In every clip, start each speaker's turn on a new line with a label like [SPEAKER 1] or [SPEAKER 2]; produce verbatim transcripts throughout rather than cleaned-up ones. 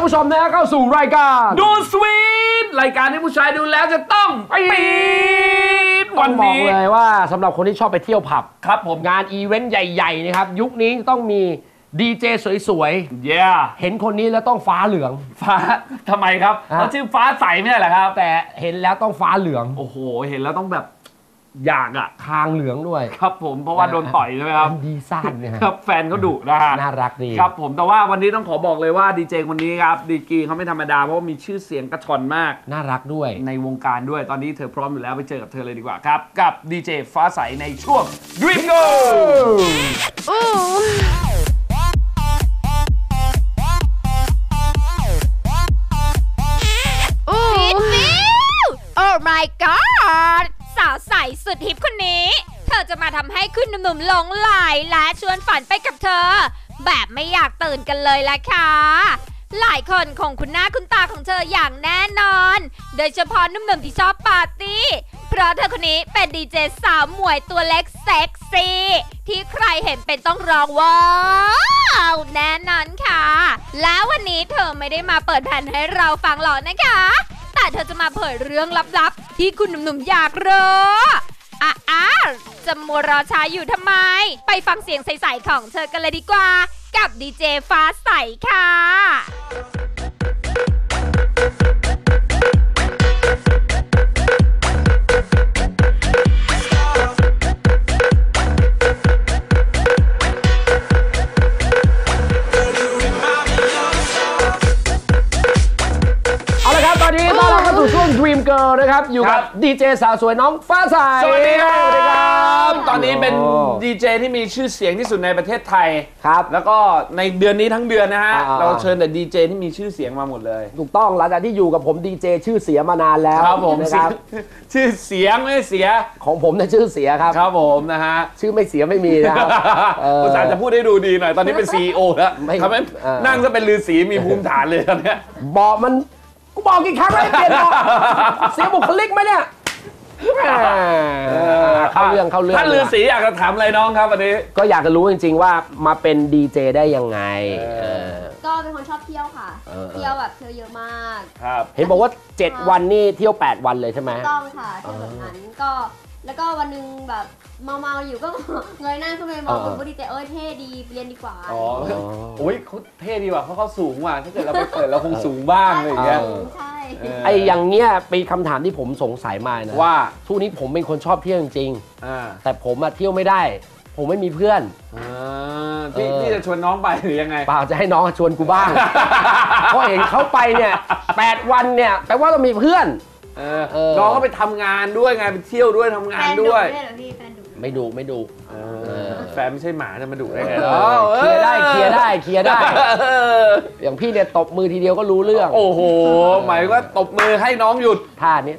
[SPEAKER 1] ผู้ชมนะเข้าสู่รายการ
[SPEAKER 2] ดูสวีทรายการที่ผู้ชายดูแล้วจะต้องปี๊ดวันนี้
[SPEAKER 1] บอกเลยว่าสำหรับคนที่ชอบไปเที่ยวผับ
[SPEAKER 2] ครับผม
[SPEAKER 1] งานอีเวนต์ใหญ่ๆนะครับยุคนี้ต้องมีดีเจสวย
[SPEAKER 2] ๆ yeah.
[SPEAKER 1] เห็นคนนี้แล้วต้องฟ้าเหลือง
[SPEAKER 2] ฟ้าทำไมครับเขาชื่อฟ้าใสไม่ใช่เหรอครับ
[SPEAKER 1] แต่เห็นแล้วต้องฟ้าเหลือง
[SPEAKER 2] โอ้โหเห็นแล้วต้องแบบอยากอ่ะ
[SPEAKER 1] คางเหลืองด้วย
[SPEAKER 2] ครับผมเพราะว่าโดนต่อยใช่ไหมครับ
[SPEAKER 1] ดีซ่านเนี่ย
[SPEAKER 2] ครับแฟนเขาดุนะฮะ
[SPEAKER 1] น่ารักดี
[SPEAKER 2] ครับผมแต่ว่าวันนี้ต้องขอบอกเลยว่าดีเจคนนี้ครับดีกรีเขาไม่ธรรมดาเพราะว่ามีชื่อเสียงกระชอนมาก
[SPEAKER 1] น่ารักด้วย
[SPEAKER 2] ในวงการด้วยตอนนี้เธอพร้อมอยู่แล้วไปเจอกับเธอเลยดีกว่าครับกับดีเจฟ้าใสในช่วง Dream Go
[SPEAKER 3] Oh my god สาวใสสุดฮิปคนนี้เธอจะมาทำให้คุณหนุ่มๆหลงไหลและชวนฝันไปกับเธอแบบไม่อยากตื่นกันเลยละค่ะหลายคนคงคุ้นหน้าคุ้นตาของเธออย่างแน่นอนโดยเฉพาะหนุ่มๆที่ชอบปาร์ตี้เพราะเธอคนนี้เป็นดีเจสาวหมวยตัวเล็กเซ็กซี่ที่ใครเห็นเป็นต้องร้องว้าวแน่นอนค่ะแล้ววันนี้เธอไม่ได้มาเปิดแผ่นให้เราฟังหรอกนะคะแต่เธอจะมาเผยเรื่องลับๆที่คุณหนุ่มๆอยากรู้อ่ะอ่ะจะมัวรอช้าอยู่ทำไมไปฟังเสียงใสๆของเธอกันเลยดีกว่ากับดีเจฟ้าใสค่ะ
[SPEAKER 1] ตอนนี้ต้อนรับเข้าสู่ช่วง Dream Girl นะครับอยู่กับดีเจสาวสวยน้องฟ้าใส
[SPEAKER 2] สวัสดีครับสวัสดีครับตอนนี้เป็นดีเจที่มีชื่อเสียงที่สุดในประเทศไทย
[SPEAKER 1] ครับ
[SPEAKER 2] แล้วก็ในเดือนนี้ทั้งเดือนนะฮะเราเชิญแต่ดีเจที่มีชื่อเสียงมาหมดเลย
[SPEAKER 1] ถูกต้องหลังจากที่อยู่กับผมดีเจชื่อเสียมานานแล้ว
[SPEAKER 2] ครับผม
[SPEAKER 1] นะครับ
[SPEAKER 2] ชื่อเสียงไม่เสีย
[SPEAKER 1] ของผมเนี่ยชื่อเสียครับ
[SPEAKER 2] ครับผมนะฮะ
[SPEAKER 1] ชื่อไม่เสียไม่มีนะครับ
[SPEAKER 2] คุณสารจะพูดให้ดูดีหน่อยตอนนี้เป็น ซี อี โอ แล้วทำให้นั่งก็เป็นฤาษีมีภูมิฐานเลยตอนนี้
[SPEAKER 1] บอกมันกูบอกกี่ครั้งแล้วเปลี่ยนบอกเสียบุคลิกไหมเนี่ยเข้าเรื่องเข้าเรื่อง
[SPEAKER 2] ท่านฤาษีอยากจะถามอะไรน้องครับวันนี้
[SPEAKER 1] ก็อยากจะรู้จริงๆว่ามาเป็นดีเจได้ยังไง
[SPEAKER 4] ก็เป็นคนชอบเที่ยวค่ะเที่ยวแบบเที่ยวเยอะมาก
[SPEAKER 2] ครับ
[SPEAKER 1] เห็นบอกว่าเจ็ดวันนี่เที่ยวแปดวันเลยใช่ไหม
[SPEAKER 4] ต้องค่ะเที่ยวแบบนั้นก็แล้วก็วันนึงแบบเมาๆอยู่ก็เงยหน้าขึ้นไปมองคุณดีเจเอ้ยเท่ดีเรียนดีกว่า
[SPEAKER 2] อ๋อโอ้ยเขาเท่ดีว่ะเพราะเขาสูงว่ะถ้าเกิดเราไปเปิดเราคงสูงบ้างอะไรอย่างเงี้ย
[SPEAKER 4] ใช่
[SPEAKER 1] ไออย่างเงี้ยเป็นคำถามที่ผมสงสัยมานะ
[SPEAKER 2] ว่า
[SPEAKER 1] ทุกนี้ผมเป็นคนชอบเที่ยวจริงๆแต่ผมอะเที่ยวไม่ได้ผมไม่มีเพื่อน
[SPEAKER 2] พี่พี่จะชวนน้องไปหรือยังไง
[SPEAKER 1] เปล่าจะให้น้องชวนกูบ้างเพราะเห็นเขาไปเนี่ยแปดวันเนี่ยแปลว่าเรามีเพื่อน
[SPEAKER 2] น้องก็ไปทำงานด้วยไงไปเที่ยวด้วยทำงานด้วย
[SPEAKER 1] ไม่ดูไม่ดู
[SPEAKER 2] แฟนไม่ใช่หมาจะมาดุได้ไง
[SPEAKER 1] เคลียร์ได้เคลียร์ได้เคลียร์ได้อย่างพี่เนี่ยตบมือทีเดียวก็รู้เรื่อง
[SPEAKER 2] โอ้โหหมายว่าตบมือให้น้องหยุด
[SPEAKER 1] ท่านี้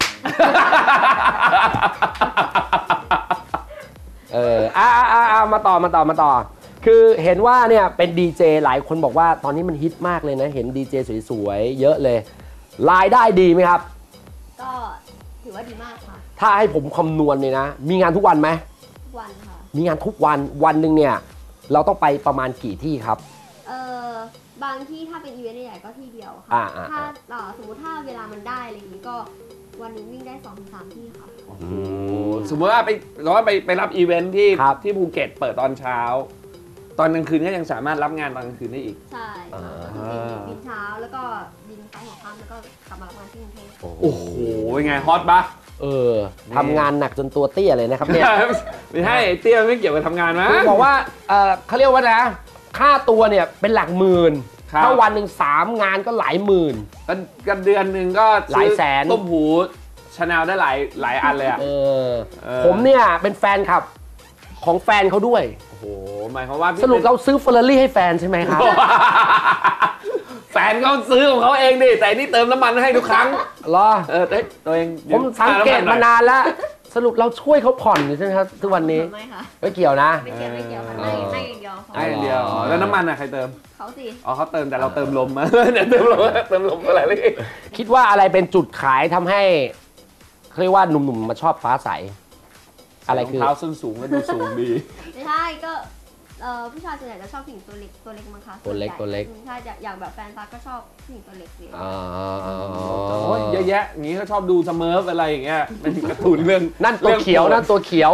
[SPEAKER 1] เอออ่าอ่าอ่ามาต่อมาต่อมาต่อคือเห็นว่าเนี่ยเป็นดีเจหลายคนบอกว่าตอนนี้มันฮิตมากเลยนะเห็นดีเจสวยๆเยอะเลยรายได้ดีไหมครับ
[SPEAKER 4] ก็ถือว่าดีมากค่ะ
[SPEAKER 1] ถ้าให้ผมคำนวณเนี่ยนะมีงานทุกวันไหม
[SPEAKER 4] ทุกวันค่ะ
[SPEAKER 1] มีงานทุกวันวันหนึ่งเนี่ยเราต้องไปประมาณกี่ที่ครับ
[SPEAKER 4] เออบางที่ถ้าเป็นอีเวนต์ใหญ่ก็ที่เดียวค่ะถ้าสมมติถ้าเวลามันได้อะไรอย่างนี้ก็วันนึงวิ่งได้สองถึงสามที่ค่ะ
[SPEAKER 2] สมมติว่าไปเราไปไปรับอีเวนท์ที่ที่ภูเก็ตเปิดตอนเช้าตอนกลางคืนก็ยังสามารถรับงานตอนกลางคืนได้อีก
[SPEAKER 4] ใช่บินเช้าแล้วก็บินไปหัวค่ำแล้วก็กลับมารับงานที่กรุงเทพ
[SPEAKER 2] โอ้โหไงฮอตปะ
[SPEAKER 1] เออทำงานหนักจนตัวเตี้ยเลยนะครับเนี่ย
[SPEAKER 2] ไม่ใช่เตี้ยไม่เกี่ยวกับทำงานมั้
[SPEAKER 1] งบอกว่าเออเขาเรียกว่านะค่าตัวเนี่ยเป็นหลักหมื่นถ้าวันหนึ่งสามงานก็หลายหมื่น
[SPEAKER 2] กันเดือนหนึ่งก็
[SPEAKER 1] หลายแสน
[SPEAKER 2] ต้มหูชาแนลได้หลายหลายอันเลยอ่ะ
[SPEAKER 1] ผมเนี่ยเป็นแฟนคลับของแฟนเขาด้วย
[SPEAKER 2] โอ้โหหมายความว่า
[SPEAKER 1] สรุปเราซื้อเฟอร์รารี่ให้แฟนใช่ไหมครับ
[SPEAKER 2] แฟนเขาซื้อของเขาเองดิแต่นี่เติมน้ำมันให้ทุกครั้ง
[SPEAKER 1] เหรอ
[SPEAKER 2] เออตัวเอง
[SPEAKER 1] ผมสังเกตมานานแล้วสรุปเราช่วยเขาผ่อนใช่ไหมครับทุกวันนี้
[SPEAKER 4] ไม่ค่ะ
[SPEAKER 1] ไม่เกี่ยวนะ
[SPEAKER 4] ไม่เกี่ยวไม่เกี่ยวให้ให้อย่างเดียว
[SPEAKER 2] ให้อย่างเดียวแล้วน้ำมันอะใครเติม
[SPEAKER 4] เขาสิ
[SPEAKER 2] อ๋อเขาเติมแต่เราเติมลมมาเนี่ยเติมลมเติมลมอะไรเลย
[SPEAKER 1] คิดว่าอะไรเป็นจุดขายทำให้เขาเรียกว่าหนุ่มๆมาชอบฟ้าใสอะไรคือ
[SPEAKER 2] เท้าส้นสูงก็ดูสูงดี
[SPEAKER 4] ไม่ใช่ก็เอ่อผู้ชายส่วนใหญ่จะชอบผู้หญิงตัวเล็กตัวเล็กมั้งคะ
[SPEAKER 1] ตัวเล็ก
[SPEAKER 4] ส่นใหญ่
[SPEAKER 1] ตัวเล็ก
[SPEAKER 4] อืมใช่อย่างแบบแฟนฟ้าก็ชอบผู้หญิงตัวเล็กเลย
[SPEAKER 1] อ๋อ
[SPEAKER 2] โอ้ยเยอะแยะอย่างนี้ก็ชอบดูสเมิร์ฟอะไรอย่างเงี้ยเป็นการ์ตูนเรื่อง
[SPEAKER 1] นั่นตัวเขียวนั่นตัวเขียว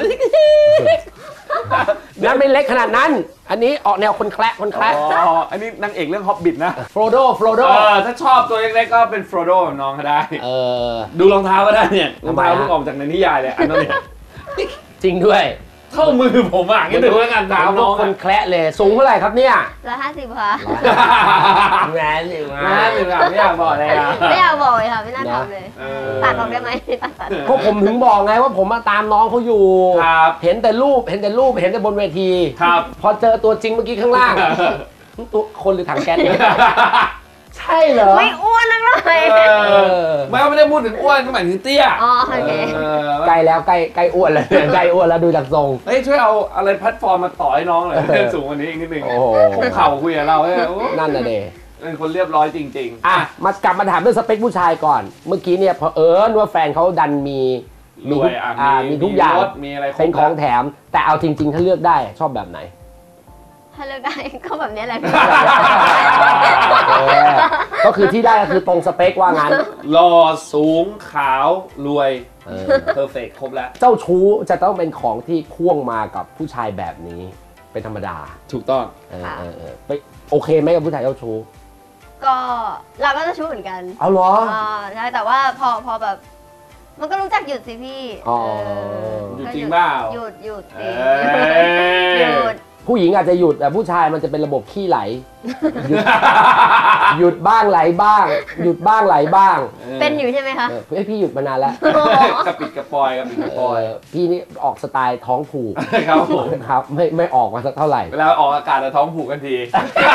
[SPEAKER 1] นั่นไม่เล็กขนาดนั้น อันนี้ออกแนวคนแคระคนแคระ
[SPEAKER 2] อ๋ออันนี้นางเอกเรื่องฮอบบิทนะ
[SPEAKER 1] โฟโดโฟโด
[SPEAKER 2] เออถ้าชอบตัวเล็กๆก็เป็นโฟโดแบบน้องก็ได้
[SPEAKER 1] เออ
[SPEAKER 2] ดูรองเท้าก็ได้เนี่ยรองเท้า
[SPEAKER 1] ทำไมฮะ
[SPEAKER 2] ลูกออกจากในนิยายเลยอันนั้นเนี่ย
[SPEAKER 1] จริงด้วย
[SPEAKER 2] เข้ามือผมอ่ะงั้นดูแล้วกันเท้า
[SPEAKER 1] น้
[SPEAKER 2] น้
[SPEAKER 1] อ
[SPEAKER 2] อง ง
[SPEAKER 1] คน
[SPEAKER 2] อะ
[SPEAKER 1] แคระเลยสูงเท่าไหร่ครับเนี่ย
[SPEAKER 4] ร้อยห้าสิบค่ะ
[SPEAKER 1] แหวนสิมา
[SPEAKER 2] นะหรือแบบไม่อยากบอกเลยอ่ะ
[SPEAKER 4] ไม่อยากบอกเลยค่ะไม่น่าทำเลย
[SPEAKER 2] เออ
[SPEAKER 4] ตัดออกได้ไหมตัดตัด
[SPEAKER 1] ก็ผมถึงบอกไงว่าผมมาตามน้องเขาอยู่
[SPEAKER 2] ครับ
[SPEAKER 1] เห็นแต่รูปเห็นแต่รูปเห็นแต่บนเวที
[SPEAKER 2] ครับ
[SPEAKER 1] พอเจอตัวจริงเมื่อกี้ข้างล่าง ตัวคนหรือถังแก๊สเนี่ยใช่เหรอ
[SPEAKER 4] ไม่อ้วนนักเลย
[SPEAKER 2] เออไม่ไม่ได้พูดถึงอ้วนก็หมายถึงเตี้ย
[SPEAKER 4] อ๋อโอเค
[SPEAKER 2] เออ
[SPEAKER 1] ใกล้แล้วใกล้ใกล้อ้วนแล้วเนี่ยใกล้อ้วนแล้วดูจากทรง
[SPEAKER 2] เฮ้ยช่วยเอาอะไรแพลตฟอร์มมาต่อให้น้องหน่อย
[SPEAKER 1] เออ
[SPEAKER 2] สูงกว่านี้อีกนิดนึง
[SPEAKER 1] โอ้โห
[SPEAKER 2] คุกเข่าคุยกับเราเนี่ยโอ้
[SPEAKER 1] นั่นน่ะเด
[SPEAKER 2] เป็นคนเรียบร้อยจริงๆ
[SPEAKER 1] อ่ะมากลับมาถามเรื่องสเปคผู้ชายก่อน เมื่อกี้เนี่ยพอเอิญว่าแฟนเขาดันมีมี
[SPEAKER 2] ร
[SPEAKER 1] ทุ
[SPEAKER 2] ว
[SPEAKER 1] ก
[SPEAKER 2] ยอ่ะ
[SPEAKER 1] อ่ามีทุกอย่าง
[SPEAKER 2] รถมีอะไรครบ
[SPEAKER 1] เป็นของแถม แต่เอาจริง ๆ ถ้าเลือกได้ชอบแบบไหน
[SPEAKER 4] ถ้าเลือกได้ก็แบบนี้แหละ
[SPEAKER 1] เออก็คือที่ได้ก็คือตรงสเปคว่างั้น
[SPEAKER 2] หล่อสูงขาวรวย
[SPEAKER 1] เออ
[SPEAKER 2] เพอร์เฟกครบแล้ว
[SPEAKER 1] เจ้าชู้จะต้องเป็นของที่พ่วงมากับผู้ชายแบบนี้เป็นธรรมดา
[SPEAKER 2] ถูกต้อง
[SPEAKER 1] เออเออเออไปโอเคไหมกับผู้ชายเจ้าชู้
[SPEAKER 4] ก็เราก็จะชู้เหมือนกัน
[SPEAKER 1] เอาเหรอ
[SPEAKER 4] อ่าใช่แต่ว่าพอพอแบบ มันก็รู้จักหยุดสิพี่
[SPEAKER 1] อ๋อ
[SPEAKER 4] เออ
[SPEAKER 2] หยุดจริงเปล่า
[SPEAKER 4] หยุดหยุด
[SPEAKER 2] เอ
[SPEAKER 4] สิ
[SPEAKER 2] ้
[SPEAKER 4] หยุด
[SPEAKER 1] ผู้หญิงอาจจะหยุดแต่ผู้ชายมันจะเป็นระบบขี้ไหล หยุดหยุดบ้างไหลบ้าง หยุดบ้างไหลบ้าง
[SPEAKER 4] เป็นอยู่ใช่ไหมคะ
[SPEAKER 1] เออเอ้ยพี่หยุดมานานแล้ว
[SPEAKER 2] กระปิดกระปอยกระปิดกระปอย
[SPEAKER 1] เออพี่นี่ออกสไตล์ท้องผูก
[SPEAKER 2] ครับผม
[SPEAKER 1] ครับไม่ไม่ออกมาสักเท่าไหร่
[SPEAKER 2] เวลาออกอากาศจะท้องผูกกันที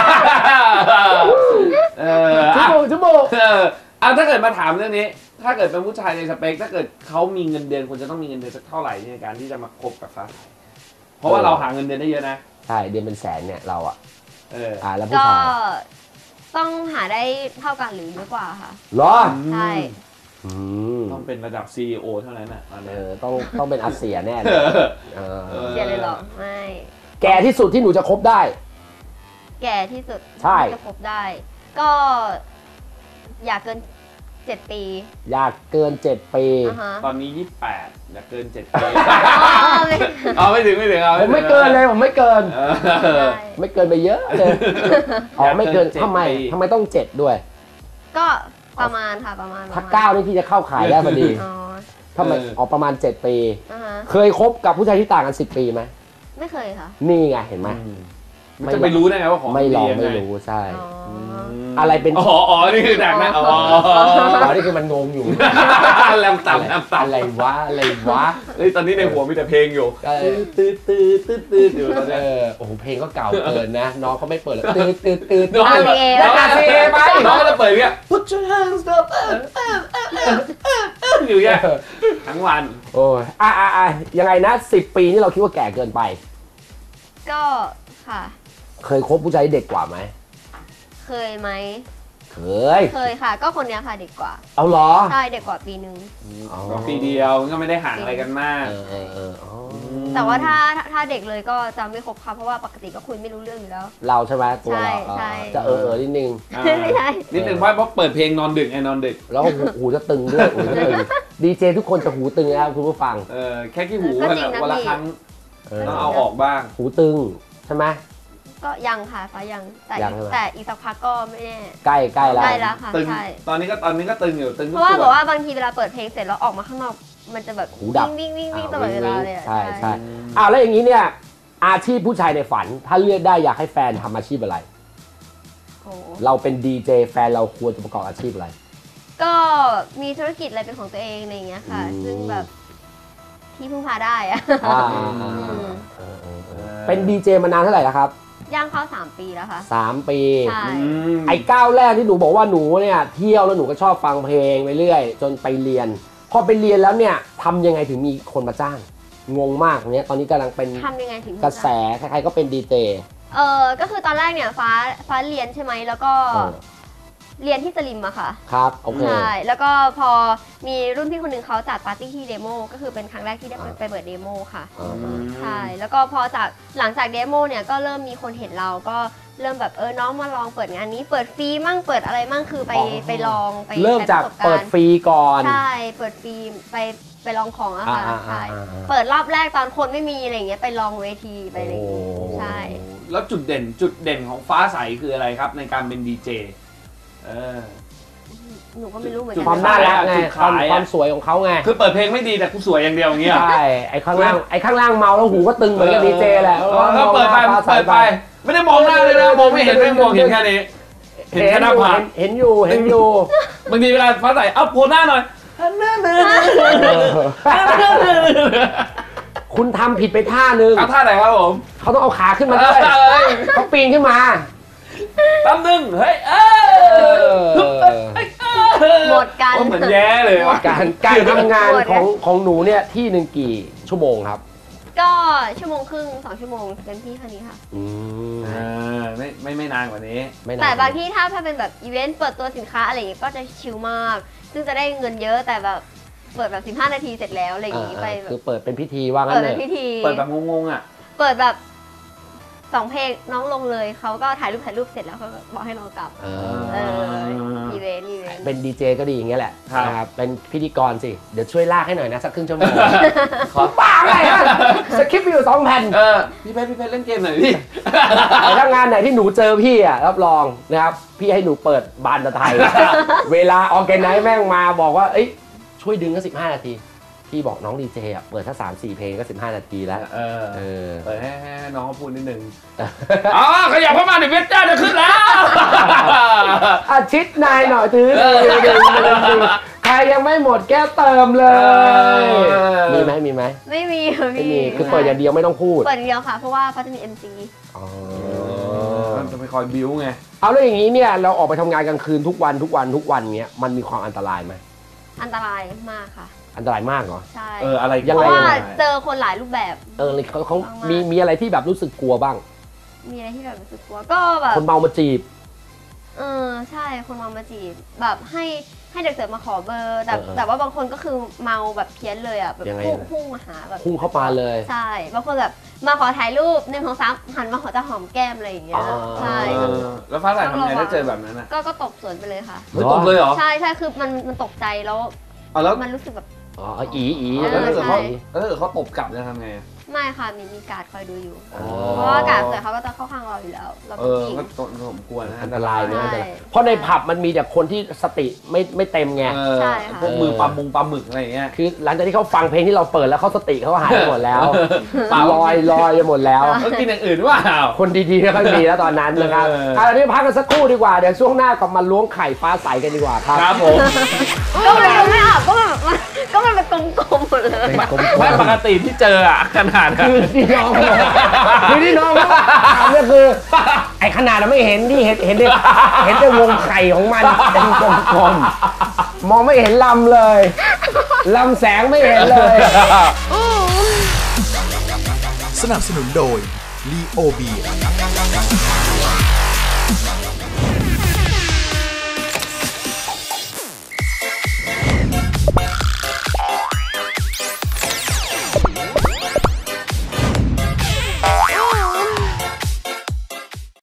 [SPEAKER 2] เออ
[SPEAKER 1] ชั่ว
[SPEAKER 2] อ่ะ
[SPEAKER 1] โมงชั่วโมง
[SPEAKER 2] เออเอาถ้าเกิดมาถามเรื่องนี้ ถ้าเกิดเป็นผู้ชายในสเปค ถ้าเกิดเขามีเงินเดือนควรจะต้องมีเงินเดือนสักเท่าไหร่ในการที่จะมาคบกับฟ้าใสเพราะว่าเราหาเงินเดือนได้เยอะนะ
[SPEAKER 1] ใช่เดือนเป็นแสนเนี่ยเราอ่ะ
[SPEAKER 2] เออ
[SPEAKER 1] อ่าแล้วผู้
[SPEAKER 4] ก็
[SPEAKER 1] ชาย
[SPEAKER 4] ต้องหาได้เท่ากันหรือเยอะกว่าค่ะ
[SPEAKER 1] เหรอ
[SPEAKER 4] ใช่
[SPEAKER 1] อืม
[SPEAKER 2] ต้องเป็นระดับ ซี อี โอ เท่านั้นน่ะตอน
[SPEAKER 1] เอ
[SPEAKER 2] นี้
[SPEAKER 1] อต้องต้องเป็นอาเซียแน่เลยเออ
[SPEAKER 4] เสียเลยเหรอ ไม่
[SPEAKER 1] แก่ที่สุดที่หนูจะคบได้
[SPEAKER 4] แก่ที่สุด
[SPEAKER 1] ใช่
[SPEAKER 4] ที่จะคบได้ ก็อยากเกินเจ็ดปี
[SPEAKER 1] อยากเกินเจ็ดปี
[SPEAKER 4] อ่าฮะ
[SPEAKER 2] ตอนนี้ยี่สิบแปดอยากเกินเจ็ดปี
[SPEAKER 4] อ๋อไม่
[SPEAKER 2] เอาไม่ถึงไม่ถึงเอา
[SPEAKER 1] ผมไม่เกินเลยผมไม่เกิน
[SPEAKER 2] เออ
[SPEAKER 4] ได้
[SPEAKER 1] ไม่เกินไปเยอะเลยอ๋อไม่เกิน
[SPEAKER 2] อยากเกินเจ็ด
[SPEAKER 1] ทำไม
[SPEAKER 2] ปี
[SPEAKER 1] ทำไมต้องเจ็ดด้วย
[SPEAKER 4] ก็ประมาณค่ะประมาณ
[SPEAKER 1] ถ้า
[SPEAKER 4] ประมณ
[SPEAKER 1] เก้านี่พี่จะเข้าขายได้พอดี
[SPEAKER 4] อ๋อ
[SPEAKER 1] ทำไมออกประมาณเจ็ดปี
[SPEAKER 4] อ่าฮะ
[SPEAKER 1] เคยคบกับผู้ชายที่ต่างกันสิบปีไหม
[SPEAKER 4] ไม่เคยค่ะ
[SPEAKER 1] นี่ไงเห็นไหม
[SPEAKER 2] อืมมันจะไปรู้ได้ไงว่าของ
[SPEAKER 1] ไม่ลอง
[SPEAKER 2] ดียั
[SPEAKER 1] ไม่
[SPEAKER 2] งง
[SPEAKER 1] รู้ใช่
[SPEAKER 4] อ๋ออ
[SPEAKER 2] ม
[SPEAKER 1] อะไรเป็น
[SPEAKER 2] อ๋ออ๋อนี่คือดักนะอ๋อ
[SPEAKER 1] อ๋อนี่คือมันงงอยู่
[SPEAKER 2] แรมต่ำแรมต่ำ
[SPEAKER 1] อะไรวะอะไรวะ
[SPEAKER 2] เฮ้ยตอนนี้ในหัวมีแต่เพลงอยู่
[SPEAKER 1] เออ
[SPEAKER 2] ตืดตืดตืดตืดอยู่ตอน
[SPEAKER 1] เอ
[SPEAKER 2] เนี้ย
[SPEAKER 1] อโอ้โหเพลงก็เก่าเกินนะ น้องเขาไม่เปิดแล้วตืดตืดตืด
[SPEAKER 2] น้อง
[SPEAKER 4] เอาสิเอ
[SPEAKER 2] น้อง
[SPEAKER 1] เอาสิเอไป
[SPEAKER 2] น้องก็จะเปิดอย่างเงี้ย Put your hands up เออเออเออเออเออเอออยู่อย่างเงี้ยทั้งวัน
[SPEAKER 1] โอ้ยอ่ะอ่ะอ่ะยังไงนะสิบปีนี่เราคิดว่าแก่เกินไป
[SPEAKER 4] ก็ค่ะ
[SPEAKER 1] เคยคบผู้ชายที่เด็กกว่าไหม
[SPEAKER 4] เคยไหม
[SPEAKER 1] เคย
[SPEAKER 4] เคยค่ะ ก็คนเนี้ยค่ะเด็กกว่า
[SPEAKER 1] เอาเหรอ
[SPEAKER 4] ใช่เด็กกว่าปีหนึ่ง
[SPEAKER 1] อ๋อ
[SPEAKER 2] ก็ปีเดียวก็ไม่ได้ห่างอะไรกันมาก
[SPEAKER 1] เออเออเอออ๋อ
[SPEAKER 4] แต่ว่าถ้าถ้าถ้าเด็กเลยก็จะไม่คบค่ะเพราะว่าปกติก็คุยไม่รู้เรื่องอยู่แล้ว
[SPEAKER 1] เราใช่ไหมตัวเรา
[SPEAKER 4] ใช่
[SPEAKER 1] เออ
[SPEAKER 4] ใช่
[SPEAKER 1] จะเออเออนิดนึง
[SPEAKER 2] อ่า
[SPEAKER 4] ไม่ใช่
[SPEAKER 2] นิดนึงเพราะเพราะเปิดเพลงนอนดึกไงนอนดึก
[SPEAKER 1] แล้วก็หูหูจะตึงด้วยหูจะตึงดีเจทุกคนจะหูตึงนะครับคุณผู้ฟัง
[SPEAKER 2] เออแค่ขี้หู
[SPEAKER 4] ก็
[SPEAKER 2] วัน
[SPEAKER 4] จริ
[SPEAKER 2] ละ
[SPEAKER 4] งนะ
[SPEAKER 2] วันละ
[SPEAKER 4] พี่
[SPEAKER 2] ครั้ง
[SPEAKER 1] เออ
[SPEAKER 2] ต้องเอาออกบ้าง
[SPEAKER 1] หูตึงใช่ไหม
[SPEAKER 4] ก็ยังค่ะฟ้ายังแต่
[SPEAKER 1] ยังใช่ไหม
[SPEAKER 4] แต่อีกสักพักก็ไม่แน่
[SPEAKER 1] ใกล้ใกล้แล้ว
[SPEAKER 4] ใกล้แล้วค่ะ
[SPEAKER 2] ตึง
[SPEAKER 4] ใช่
[SPEAKER 2] ตอนนี้ก็ตอนนี้ก็ตึงอยู่ตึง
[SPEAKER 4] เพ
[SPEAKER 2] ทุก
[SPEAKER 4] ราะว่า
[SPEAKER 2] ส่
[SPEAKER 4] แบ
[SPEAKER 2] วน
[SPEAKER 4] บว่าบางทีเวลาเปิดเพลงเสร็จแล้วออกมาข้างนอก มันจะแบบ
[SPEAKER 1] หูดับ
[SPEAKER 4] วิ่งวิ่งวิ่งวิ่ง
[SPEAKER 1] อ่า
[SPEAKER 4] ตลอดเวลาเลยอะ
[SPEAKER 1] ใช่ใช่อ้าวแล้วอย่างนี้เนี่ยอาชีพผู้ชายในฝัน ถ้าเลือกได้อยากให้แฟนทำอาชีพอะไร
[SPEAKER 4] โอ้โห
[SPEAKER 1] เราเป็นดีเจแฟนเราควรจะประกอบอาชีพอะไร
[SPEAKER 4] ก็มีธุรกิจอะไรเป็นของตัวเองอะไรอย่างเงี้ยค่ะ
[SPEAKER 1] อืม
[SPEAKER 4] ซึ่งแบบที่พึ่งพาได้อะ
[SPEAKER 1] อ่า
[SPEAKER 4] อืม
[SPEAKER 1] เออเออเออเป็นดีเจมานานเท่าไหร่แล้วครับ
[SPEAKER 4] ย่างเข้าสามปีแล้วค่ะ
[SPEAKER 1] สามปี
[SPEAKER 4] ใช่
[SPEAKER 2] อืม
[SPEAKER 1] ไอ้ก้าวแรกที่หนูบอกว่าหนูเนี่ยเที่ยวแล้วหนูก็ชอบฟังเพลงไปเรื่อย จนไปเรียน พอไปเรียนแล้วเนี่ยทำยังไงถึงมีคนมาจ้าง งงมากตรงเนี้ยตอนนี้กำลังเป็น
[SPEAKER 4] ทำยังไงถึง
[SPEAKER 1] กระแสใครๆก็เป็นดีเจ
[SPEAKER 4] เออก็คือตอนแรกเนี่ยฟ้าฟ้าเรียนใช่ไหมแล้วก็
[SPEAKER 1] เออ
[SPEAKER 4] เรียนที่สลิมอะค่ะ
[SPEAKER 1] ครับโอเค
[SPEAKER 4] ใช่แล้วก็พอมีรุ่นพี่คนหนึ่งเขาจัดปาร์ตี้ที่เดโมก็คือเป็นครั้งแรกที่ได้ไปเปิดเดโมค่ะ
[SPEAKER 1] อ่า
[SPEAKER 4] ใช่แล้วก็พอจากหลังจากเดโมเนี่ยก็เริ่มมีคนเห็นเราก็เริ่มแบบเออน้องมาลองเปิดงานนี้เปิดฟรีมั่งเปิดอะไรมั่งคือไปไปลองไป
[SPEAKER 1] เริ่มจากเปิดฟรีก่อน
[SPEAKER 4] ใช่เปิดฟรีไปไปลองของอะค่ะ
[SPEAKER 1] อ่า
[SPEAKER 4] ใช่
[SPEAKER 1] อ่าอ่า
[SPEAKER 4] เปิดรอบแรกตอนคนไม่มีอะไรอย่างเงี้ยไปลองเวทีไปอะไรอย่างเงี้ย
[SPEAKER 1] โอ้
[SPEAKER 4] ใช่
[SPEAKER 2] แล้วจุดเด่นจุดเด่นของฟ้าใสคืออะไรครับในการเป็นดีเจเออ
[SPEAKER 4] หนูก็ไม่รู้เหมือน
[SPEAKER 2] จุ
[SPEAKER 4] กั
[SPEAKER 2] ด
[SPEAKER 1] ความน่ารักไง
[SPEAKER 2] จุด
[SPEAKER 1] ควา
[SPEAKER 2] ขาม ยอะ
[SPEAKER 1] ความสวยของเขาไง
[SPEAKER 2] คือเปิดเพลงไม่ดีแต่กูสวยอย่างเดียวอย่างเงี้ย
[SPEAKER 1] ใช่ไอ้ข้างล่างไอ้ข้างล่างเมาแล้วหูก็ตึงเหมือนกับดีเจแหละ
[SPEAKER 2] เออก็เปิดไปเปิดไป ไม่ได้มองหน้าเลยนะมองไม่เห็นไม่มองเห็นแค่นี้เห็นแค่หน้าผาก
[SPEAKER 1] เห็นอยู่เห็นอยู่
[SPEAKER 2] บางทีเวลาฟ้าใสเอาโผล่หน้าหน่อยหน้าหนึ่ง
[SPEAKER 1] คุณทำผิดไปท่านึง
[SPEAKER 2] เอาท่าไหนครับผม
[SPEAKER 1] เขาต้องเอาขาขึ้นมาด้วย
[SPEAKER 2] เอ้ย
[SPEAKER 1] เขาปีนขึ้นมา
[SPEAKER 2] ตั้มหนึ่งเฮ้ยเออ
[SPEAKER 4] หมดกัน
[SPEAKER 2] เหมือนแย่เลยว่ะ
[SPEAKER 1] การการทำงาน
[SPEAKER 4] โหด
[SPEAKER 1] ของ
[SPEAKER 4] นะ
[SPEAKER 1] ของหนูเนี่ยที่หนึ่งกี่ชั่วโมงครับ
[SPEAKER 4] ก็ชั่วโมงครึ่งสองชั่วโมงเต็มที่เท่านี้ค่ะ
[SPEAKER 1] อืม
[SPEAKER 2] อ่าไม่ไม่ไม่นานกว่านี้
[SPEAKER 1] ไม่นาน
[SPEAKER 4] แต่บางที่ถ้าถ้าเป็นแบบอีเวนต์เปิดตัวสินค้าอะไรอย่างเงี้ยก็จะชิลมาก ซึ่งจะได้เงินเยอะแต่แบบเปิดแบบสิบห้านาทีเสร็จแล้วอะไรอย่างงี้
[SPEAKER 1] อ่า
[SPEAKER 4] ไป
[SPEAKER 1] อ่า
[SPEAKER 4] แบ
[SPEAKER 1] คือบ เปิดเป็นพิธีว่างั้
[SPEAKER 4] เปิด
[SPEAKER 1] นเล
[SPEAKER 4] เป็น
[SPEAKER 1] ย
[SPEAKER 4] พิธี
[SPEAKER 2] เปิดแบบงงๆอ่ะ
[SPEAKER 4] เปิดแบบสองเพลงน้องลงเลยเขาก็ถ่ายรูปถ่ายรูปเสร็จแล้วเขาก็บอกให้เรากลับ
[SPEAKER 1] เอ
[SPEAKER 4] เอ
[SPEAKER 1] อ
[SPEAKER 4] ออีเวนต์อีเวนต์
[SPEAKER 1] เป็นดีเจก็ดีอย่างเงี้ยแหละ
[SPEAKER 2] ครับ
[SPEAKER 1] นะครับเป็นพิธีกรสิ เดี๋ยวช่วยลากให้หน่อยนะ สักครึ่งชั่วโมง ขอป้าไงฮะสคริปต์มีอยู่สองแผ่น
[SPEAKER 2] เออพี่เพชรพี่เพชรเล่นเกมหน่อยพี่
[SPEAKER 1] แต่ถ้างานไหนที่หนูเจอพี่อ่ะรับรองนะครับ พี่ให้หนูเปิดบานตะไทย เวลาออร์แกไนซ์แม่งมาบอกว่าเอ้ยช่วยดึงก็สิบห้านาที พี่บอกน้องดีเจอ่ะเปิดถ้าสามสี่เพลงก็สิบห้านาทีแล้ว
[SPEAKER 2] เออ
[SPEAKER 1] เออ
[SPEAKER 2] เปิดให้ให้ให้น้องเขาพูดนิดนึงอ๋อขยับเข้ามาเดี๋ยวเพชรจ้าจะขึ้นแล้ว
[SPEAKER 1] อาชิดนายหน่อยตื้อใครยังไม่หมดแก้เติมเลย มีไหมมีไหม
[SPEAKER 4] ไม่มีค่ะ
[SPEAKER 1] ไม่
[SPEAKER 4] พี่
[SPEAKER 1] มีคือเปิดอย่างเดียวไม่ต้องพูด
[SPEAKER 4] เปิดอย่างเดียวค่ะ เพราะว่าเขาจะมี เอ็ม ซี
[SPEAKER 1] อ๋อ
[SPEAKER 2] มันจะไปคอยบิ้วไง
[SPEAKER 1] เอาแล้วอย่างนี้เนี่ยเราออกไปทำงานกลางคืนทุกวันทุกวันทุกวันเนี้ยมันมีความอันตรายไหม
[SPEAKER 4] อันตรายมากค่ะ
[SPEAKER 1] อันตรายมากเหรอ
[SPEAKER 4] ใช่
[SPEAKER 2] เอออะไร
[SPEAKER 1] ยัง
[SPEAKER 4] เพ
[SPEAKER 1] ไง
[SPEAKER 4] ราะว่า
[SPEAKER 2] ยังไง
[SPEAKER 4] เจอคนหลายรูปแบบ
[SPEAKER 1] เออเขาเขา
[SPEAKER 4] มากๆ
[SPEAKER 1] มีมีอะไรที่แบบรู้สึกกลัวบ้าง
[SPEAKER 4] มีอะไรที่แบบรู้สึกกลัวก็แบบ
[SPEAKER 1] คนเมามาจีบ
[SPEAKER 4] เออใช่คนเมามาจีบแบบให้ให้เด็กเสิร์ฟมาขอเบอร์แต่
[SPEAKER 1] เออเออ
[SPEAKER 4] แต่ว่าบางคนก็คือเมาแบบเพี้ยนเลยอ่ะแบบ
[SPEAKER 1] ยังไง
[SPEAKER 4] พุ่ง
[SPEAKER 1] นะ
[SPEAKER 4] พุ่งมาหาแบบ
[SPEAKER 1] พุ่งเข้ามาเลย
[SPEAKER 4] ใช่บางคนแบบมาขอถ่ายรูปหนึ่งของสามหันมาขอจะหอมแก้มอะไรอย่างเงี้ย
[SPEAKER 1] อ๋อ
[SPEAKER 4] ใช่
[SPEAKER 2] เออแล้วฟ้าใสทำไงถ้าเจอแบบนั้นอ่ะ
[SPEAKER 4] ก็ก็ตบสวนไปเลยค่ะ
[SPEAKER 2] ไม่ตบเลยเหรอ
[SPEAKER 4] ใช่ใช่คือมันมันตกใจแล้ว
[SPEAKER 2] เอาแล้ว
[SPEAKER 4] มันรู้สึกแบบ
[SPEAKER 1] อ๋ออีอี
[SPEAKER 2] แล้วถ้าเกิดเขา
[SPEAKER 4] ใช่
[SPEAKER 2] แล้วถ้าเกิดเขาตบกลับจะทำไงอะ
[SPEAKER 4] ไม่ค่ะมีมีการ์ดคอยดูอยู่
[SPEAKER 1] อ๋อ
[SPEAKER 4] เพราะว่าการ์ดเสือเขาก็จะเข้าข้างเราอยู่แล้วเรา
[SPEAKER 2] เอ
[SPEAKER 4] เป็น
[SPEAKER 2] อ
[SPEAKER 4] ผู้หญิง
[SPEAKER 2] ก็ตนผมกลัวนะ
[SPEAKER 1] อันตรายนะ
[SPEAKER 4] ใช่
[SPEAKER 1] อันตรายเพราะในผับมันมีแต่คนที่สติไม่ไม่เต็มไง
[SPEAKER 2] เออ
[SPEAKER 4] ใช่ค่ะ
[SPEAKER 2] พวกมือปลามุงปลาหมึกอะไรอย่างเงี้ย
[SPEAKER 1] คือหลังจากที่เขาฟังเพลงที่เราเปิดแล้วเขาสติเขาหายไปหมดแล้ว
[SPEAKER 2] เปล่า
[SPEAKER 1] ลอยลอยไปหมดแล้ว
[SPEAKER 2] เขากินอย่างอื่นว่า
[SPEAKER 1] คนดีๆไม่ค่อยมีแล้วตอนนั้นนะครับ
[SPEAKER 2] เออ
[SPEAKER 1] เอาละเดี๋ยวพักกันสักครู่ดีกว่า เดี๋ยวช่วงหน้ากลับมาล้วงไข่ฟ้าใสกันดีกว่าครับ
[SPEAKER 2] ครับผม
[SPEAKER 4] ก็มันยังไม่ออกก็มันมันก็มันเป็นกลมๆหมดเลย
[SPEAKER 1] เป็นกลม
[SPEAKER 2] ไม่ปกติที่เจออะขนาด
[SPEAKER 1] ๆคือที่น้องคือที่น้องเขาถามเนี่ยคือ ไอ้ขนาดเราไม่เห็นที่เห็นเห็นแต่เห็นแต่วงไข่ของมันเป็นกลมๆมองไม่เห็นลำเลยลำแสงไม่เห็นเลย
[SPEAKER 5] สนับสนุนโดย ลีโอเบียร์